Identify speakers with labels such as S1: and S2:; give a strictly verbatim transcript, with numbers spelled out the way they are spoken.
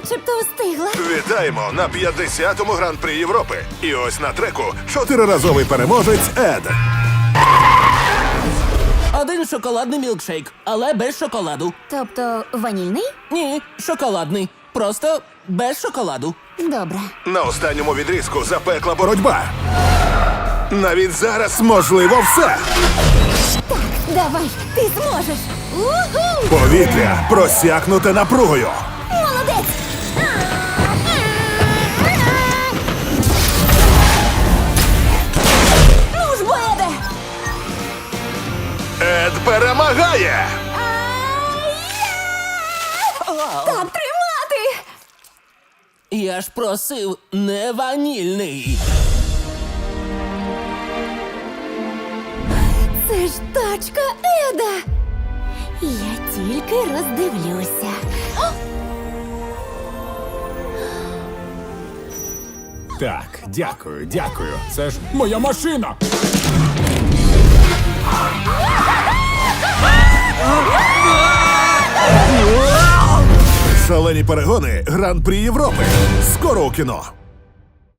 S1: начебто встигла.
S2: Вітаємо на п'ятдесятому гран-прі Європи. І ось на треку чотириразовий переможець Ед.
S3: Один шоколадний мілкшейк, але без шоколаду.
S1: Тобто ванільний?
S3: Ні, шоколадний. Просто без шоколаду.
S1: Добре.
S2: На останньому відрізку запекла боротьба. Навіть зараз можливо все.
S1: Давай, ти зможеш. Уху!
S2: Повітря просякнуте напругою.
S1: Молодець! Ну ж, бо, Еде!
S2: Ед перемагає!
S1: Так тримати!
S3: Я ж просив не ванільний.
S1: Це ж тачка Еда! Я тільки роздивлюся.
S4: Так, дякую, дякую. Це ж моя машина.
S2: Шалені перегони Гран-прі Європи. Скоро у кіно.